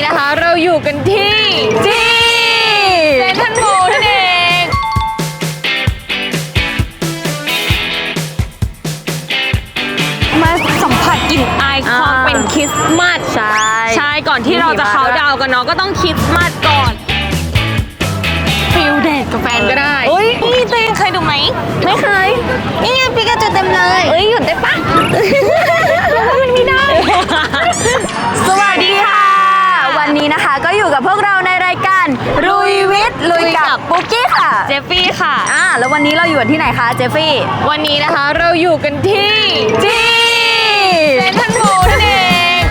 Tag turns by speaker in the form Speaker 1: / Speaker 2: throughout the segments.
Speaker 1: นะคะเราอยู่กันที่เซ็นทรัลเวิลด์นั่นเองมาสัมผัสกลิ่นอายความเป็นคริสต์มาสใช่ก่อนที่เราจะเข้าดาวกันเนาะก็ต้องคริสต์มาสก่อนฟิลเดทกับแฟนก็ได้นี่เต้เคยดูไหมไม่เคยนี่ไงปิกาจูเต็มเลยหยุดได้ปะเพราะว่ามันไม่ได้
Speaker 2: สวัสดีค่ะวันนี้นะคะก็อยู่กับพวกเราในรายการลุยวิทย์ลุยกับปุ๊กกี้ค่ะ
Speaker 1: เจฟฟี่ค่ะ
Speaker 2: แล้ววันนี้เราอยู่ที่ไหนคะเจฟฟี่
Speaker 1: วันนี้นะคะเราอยู่กันที่เซ็นทรัลเวิลด์นั่นเอง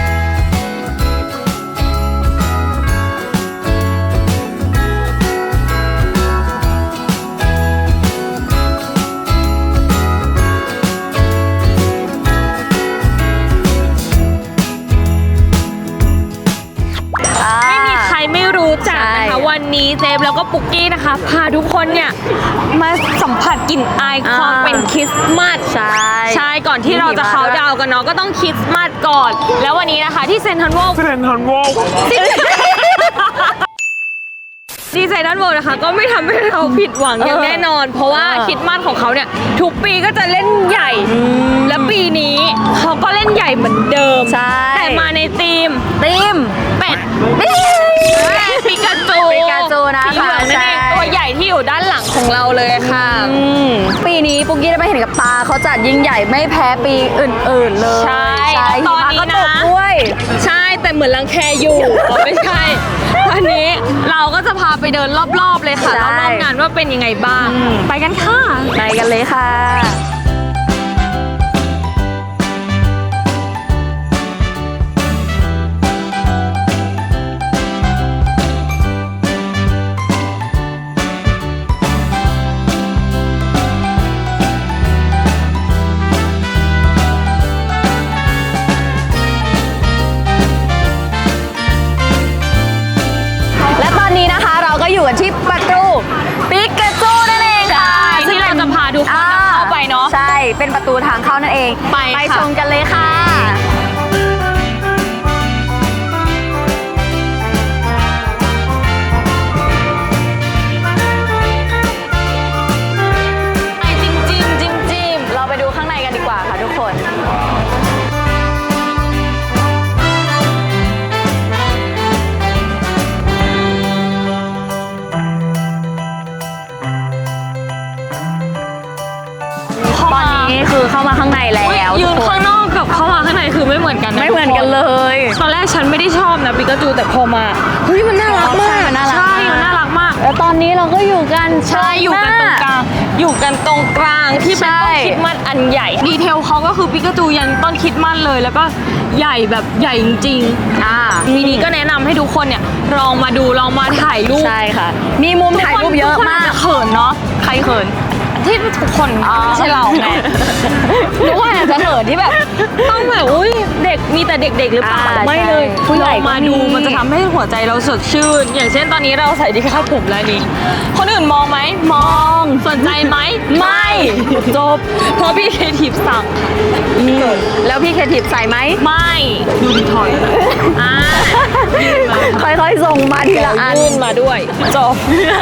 Speaker 1: วันนี้เจฟแล้วก็ปุกกี้นะคะพาทุกคนเนี่ยมาสัมผัสกลิ่นอายความเป็นคริสต์มาสใช่ก่อนที่เราจะเข้าดาวกันเนาะก็ต้องคริสต์มาสก่อนแล้ววันนี้นะคะที่เซ็นทรัลเวิลด์ดีไซน์ด้านบนนะคะก็ไม่ทำให้เราผิดหวังอย่างแน่นอนเพราะว่าคริสต์มาสของเขาเนี่ยทุกปีก็จะเล่นใหญ่และปีนี้เขาก็เล่นใหญ่เหมือนเดิมแต่มาในธีมเป็ดปิกาจูนะคะนั่นเองตัวใหญ่ที่อยู่ด้านหลังของเราเลยค่ะ
Speaker 2: ปีนี้ปุ๊กกี้ได้ไปเห็นกับตาเขาจัดยิ่งใหญ่ไม่แพ้ปีอื่นๆเลย
Speaker 1: ใช่ตอนนี้นะใช่แต่เหมือนรังแคอยู่ไม่ใช่วันนี้เราก็จะพาไปเดินรอบๆเลยค่ะรอบๆงานว่าเป็นยังไงบ้างไปกันค่ะ
Speaker 2: ไปกันเลยค่ะอยู่กันที่ประตูปิกาจูนั่นเองค่ะ
Speaker 1: ที่เราจะพาทุกคนเข้าไปเนาะ
Speaker 2: ใช่เป็นประตูทางเข้านั่นเองไปชมกันเลยค่ะจิ้มเราไปดูข้างในกันดีกว่าค่ะทุกคนคือเข้ามาข้างในแล้ว
Speaker 1: ยืนข้างนอกกับเข้ามาข้างในคือไม่เหมือนกัน
Speaker 2: ไม่เหมือนกันเลย
Speaker 1: ตอนแรกฉันไม่ได้ชอบนะปิกาจูแต่พอมาเฮ้ยมันน่ารักมากใช่มันน่ารักมาก
Speaker 2: แล้วตอนนี้เราก็อยู่กัน
Speaker 1: อยู่กันตรงกลางที่เป็นต้นคริสต์มาสอันใหญ่ดีเทลเขาก็คือปิกาจูยันต้นคริสต์มาสเลยแล้วก็ใหญ่แบบใหญ่จริงๆทีนี้ก็แนะนำให้ทุกคนเนี่ยลองมาดูลองมาถ่ายรูป
Speaker 2: ใช่ค่ะมีมุมถ่ายรูปเยอะมาก
Speaker 1: เขินเนาะใครเขินที่ทุกคนไม่ใช่เราไง
Speaker 2: นึกว่าอาจจะเขินที่แบบ
Speaker 1: ต้องแบบอุ้ยเด็กมีแต่เด็กๆหรือเปล่าไม่เลย
Speaker 2: ผู้ใหญ่
Speaker 1: มาดูมันจะทำให้หัวใจเราสดชื่นอย่างเช่นตอนนี้เราใส่ดีคาดผมแล้วนี่คนอื่นมองไหมมองสนใจไหมไม่จบเพราะพี่เคทิปสั่ง
Speaker 2: แล้วพี่เคทิปใส่ไหม
Speaker 1: ไม่ดูดีถอย
Speaker 2: ค่อยๆส่งมาทีละอัน
Speaker 1: ยื่นมาด้วยจบ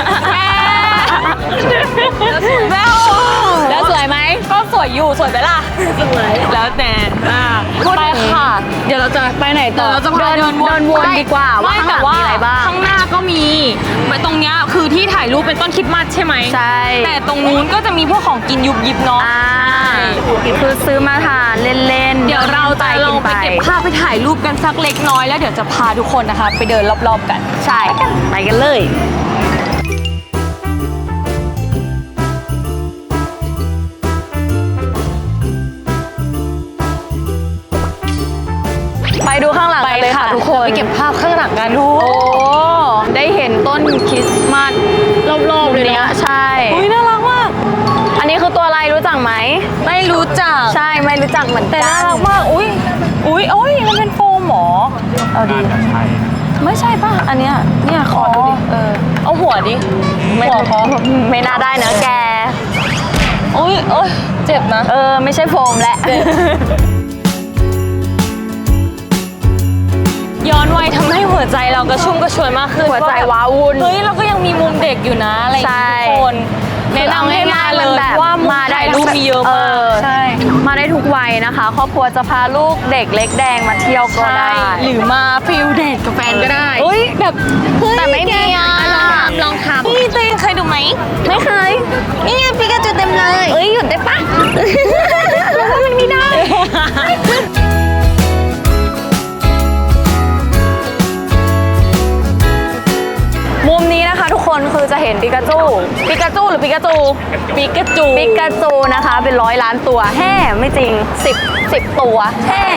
Speaker 2: แล้วสวยไหม
Speaker 1: ก็สวยอยู่สวยไหมล่ะสวยแล้วแต่
Speaker 2: ไปค่ะ
Speaker 1: เดี๋ยวเราจะไปไหนต่อ
Speaker 2: เราจะเดินวนดีกว่าว่าข้างหลังมีอะไรบ้าง
Speaker 1: ข้างหน้าก็มีตรงเนี้ยคือที่ถ่ายรูปเป็นต้นคริสต์มาสใช่ไหม
Speaker 2: ใช่
Speaker 1: แต่ตรงนู้นก็จะมีพวกของกินยุบยิบเนาะ
Speaker 2: คือซื้อมาทานเล่น
Speaker 1: ๆเดี๋ยวเราจะลงไปเก็บภาพไปถ่ายรูปกันสักเล็กน้อยแล้วเดี๋ยวจะพาทุกคนนะคะไปเดินรอบๆกัน
Speaker 2: ใช่ไปกันเลยไปดูข้างหลังกันเลยค่ะทุกคน
Speaker 1: ไปเก็บภาพข้างหลังกันดู
Speaker 2: ได้เห็นต้นคริสต์มาส
Speaker 1: รอบๆเลยนะ
Speaker 2: ใช่
Speaker 1: น่ารักมาก
Speaker 2: อันนี้คือตัวอะไรรู้จักไหม
Speaker 1: ไม่รู้จัก
Speaker 2: ใช่ไม่รู้จักเหมือนกัน
Speaker 1: แต่น่ารักมากมันเป็นโฟมหรอ
Speaker 2: เอาดีไม่ใช่ป่ะอันเนี้ยขอดูดิ
Speaker 1: เอาหัวดิ
Speaker 2: ไม่น่าได้นะแก
Speaker 1: เจ็บนะ
Speaker 2: ไม่ใช่โฟมแหละ
Speaker 1: ย้อนวัยทำให้หัหัวใจเรากระชุ่มกระชวยมากขึ้น
Speaker 2: หัวใจ
Speaker 1: แบบ
Speaker 2: ว้าวุ่น
Speaker 1: เฮ้ยเราก็ยังมีมุมเด็กอยู่นะอะไรอย่างเงี้ย
Speaker 2: ใช่
Speaker 1: ทุกคนแนะนำให้มาเลย
Speaker 2: แบบ
Speaker 1: ว่ามุมถ่ายรูปมีเยอะมากใช่
Speaker 2: มาได้ทุกวัยนะคะ ครอบครัวจะพาลูกเด็กเล็กแดงมาเที่ยวก็
Speaker 1: ใช่
Speaker 2: ได้
Speaker 1: หรือมาฟิลเดทกับแฟนก็ได้
Speaker 2: เฮ้ยแบบแต่ไม่มีอ่ะ
Speaker 1: ลองทำนี่ตัวเองเคยดูไหม
Speaker 2: ไม่เคย
Speaker 1: นี่ไงปิกาจูเต็มเลย
Speaker 2: เอ้ยหยุดได้ปะมันไม่ได้ มุมนี้นะคะทุกคนคือจะเห็นปิกาจูหรือปิกาจู
Speaker 1: ปิกาจู
Speaker 2: ปิกาจูนะคะเป็น100 ล้านตัวแห่ไม่จริง10ตัวแห่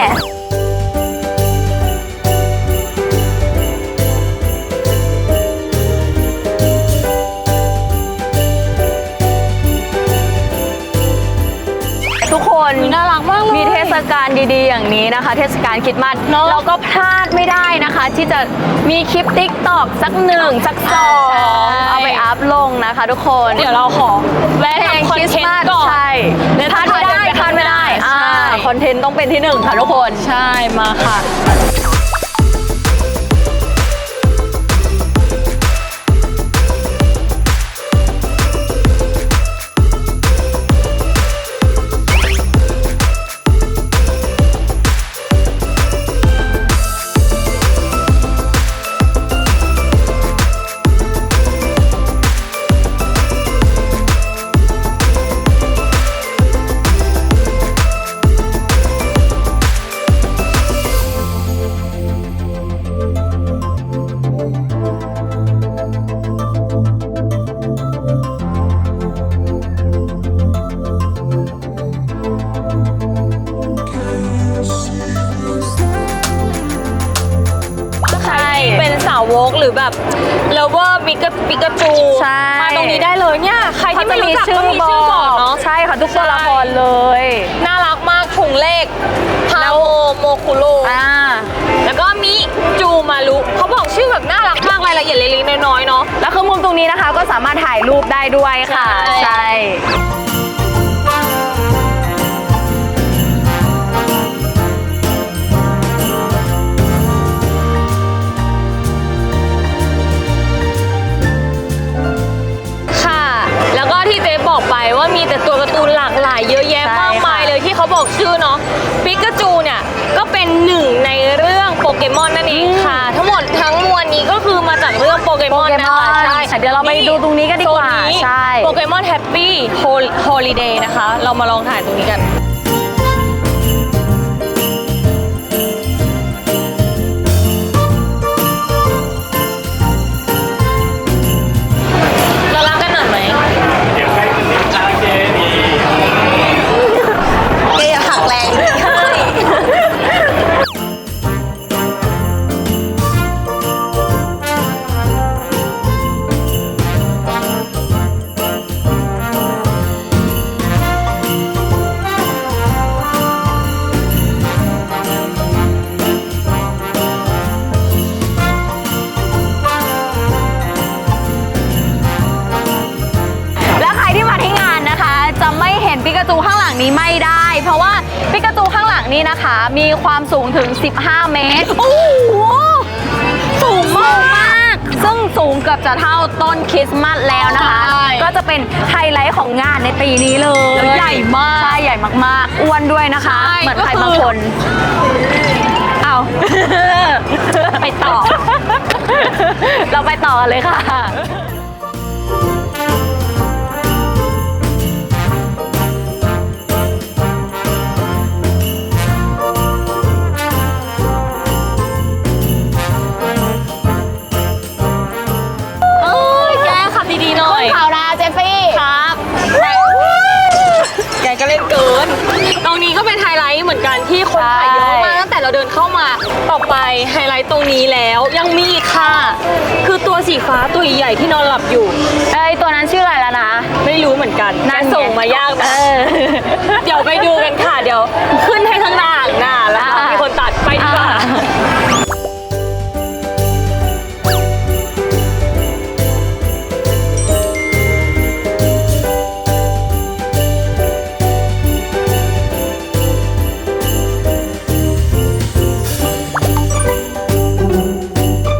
Speaker 2: ทุกคน
Speaker 1: น่ารักมากเลย
Speaker 2: มีเทศกาลดีๆอย่างนี้นะคะ เทศกาลคริสต์มาส
Speaker 1: เนอะ
Speaker 2: เราก็พลาดไม่ได้นะคะ ที่จะมีคลิปติ๊กตอกสัก1สัก2เอาไปอัพลงนะคะทุกคน
Speaker 1: เดี๋ยวเราขอแวะทำคอนเทนต์ก่อน
Speaker 2: ใช่
Speaker 1: เดี๋ยว
Speaker 2: พลาดไม่ได้พลาดไม่ได้
Speaker 1: ใช่
Speaker 2: คอนเทนต์ต้องเป็นที่1ค่ะทุกคน
Speaker 1: ใช่มาค่ะ ใครเป็นสาวกหรือแบบเลเวอร์ปิกาจู
Speaker 2: ใช่
Speaker 1: มาตรงนี้ได้เลยเนี่ยใครที่ไม่รู้จักก็มีชื่อบอกเนาะ
Speaker 2: ใช่ค่ะทุกตัวละครเลย
Speaker 1: น่ารักมากถุงเลขพาโมโมคุโรแล้วก็มิจูมารุเขาบอกชื่อแบบน่ารักมากรายละเอียดเล็กๆน้อยๆเนาะ
Speaker 2: แล้วคือมุมตรงนี้นะคะก็สามารถถ่ายรูปได้ด้วยค่ะ
Speaker 1: ใช่
Speaker 2: ใช่
Speaker 1: ค่ะ แล้วก็ที่เจ๊บอกไปว่ามีแต่ตัวการ์ตูนหลากหลายเยอะแยะมากมายเลยที่เขาบอกชื่อเนาะปิกาจูเนี่ยก็เป็นหนึ่งในเรื่องโปเกมอนนั่นเองค่ะ ทั้งหมดทั้งมวลนี้ก็คือมาจากเรื่องโปเกมอนนะคะใช่
Speaker 2: เดี๋ยวเราไปดูตรงนี้กันดีกว่า
Speaker 1: โซนนี้
Speaker 2: ใช่
Speaker 1: โปเกมอนแฮปปี้โฮลิเดย์นะคะ เรามาลองถ่ายตรงนี้กัน เรารักกันหน่อยไหมเกย์หักแรง
Speaker 2: แล้วใครที่มาที่งานนะคะ จะไม่เห็นปิกาจูข้างหลังนี้ไม่ได้ เพราะว่าปิกาจูข้างหลังนี้นะคะ มีความสูงถึง 15 เมตร โอ้โหสูงมากซึ่งสูงเกือบจะเท่าต้นคริสต์มาสแล้วนะคะ
Speaker 1: ใช่
Speaker 2: ก็จะเป็นไฮไลท์ของงานในปีนี้เลย
Speaker 1: แล้วใหญ่มาก
Speaker 2: ใช่ใหญ่มากๆ อ้วนด้วยนะคะ
Speaker 1: ใช่
Speaker 2: เหมือนใคร
Speaker 1: ก็คือ
Speaker 2: บางคน เอา
Speaker 1: ไปต่อ
Speaker 2: เราไปต่อกันเลยค่ะ
Speaker 1: เอ้ยแกขับดีๆหน่อย
Speaker 2: ข่าวนะเจฟฟี่
Speaker 1: ครับแกก็เล่นเกิน ตรงนี้ก็เป็นไฮไลท์เหมือนกันที่คนถ่ายเยอะมากตั้งแต่เราเดินเข้ามา ต่อไปไฮไลท์ตรงนี้แล้วยังมีอีกค่ะ คือตัวสีฟ้าตัวใหญ่ๆที่นอนหลับอยู่
Speaker 2: เอ้ยตัวนั้นชื่ออะไรแล้วนะ
Speaker 1: ไม่รู้เหมือนกัน
Speaker 2: นั่นไง
Speaker 1: ส่งมายากนะเดี๋ยวไปดูกันค่ะ เดี๋ยวขึ้นให้ทั้งหน้าแล้วก็มีคนตัดไปดีกว่า
Speaker 2: เ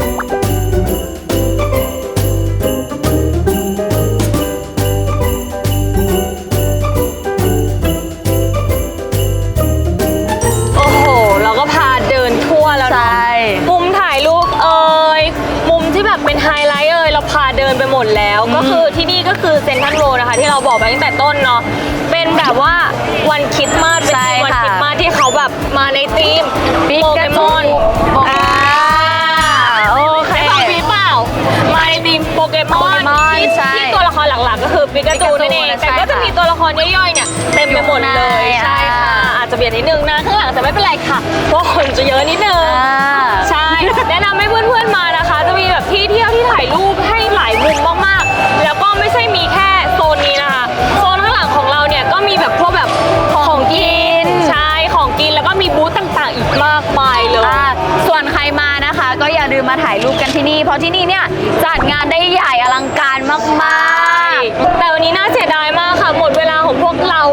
Speaker 1: บอกไปตั้งแต่ต้นเนาะเป็นแบบว่าวันคริสต์มาสเป็นธีมวันคริสต์มาสที่เขาแบบมาในธีมโปเกมอนโอเคได้ฟังพี่เปล่ามาในธีมโปเกมอนที่ตัวละครหลักๆก็คือปิกาจูนั่นเองแต่ก็จะมีตัวละครย่อยๆเนี่ยเต็มไปหมดเลยใช่ค่ะอาจจะเบียดนิดนึงนะข้างหลังแต่ไม่เป็นไรค่ะเพราะคนจะเยอะนิดนึงใช่แนะนำให้เพื่อนๆมานะคะจะมีแบบที่เที่ยวที่ถ่ายรูปให้หลายมุมมากๆแล้วก็ไม่ใช่มีแค่โซนนี้นะคะโซนข้างหลังของเราเนี่ยก็มีแบบพวกแบบของกินใช่ของกินแล้วก็มีบูธต่างๆอีกมากมายเลย
Speaker 2: ส่วนใครมานะคะก็อย่าลืมมาถ่ายรูปกันที่นี่เพราะที่นี่เนี่ยจัดงานได้ใหญ่อลังการมากๆ
Speaker 1: แต่วันนี้น่าเสียดายมากค่ะหมดเวลาของพวกเรา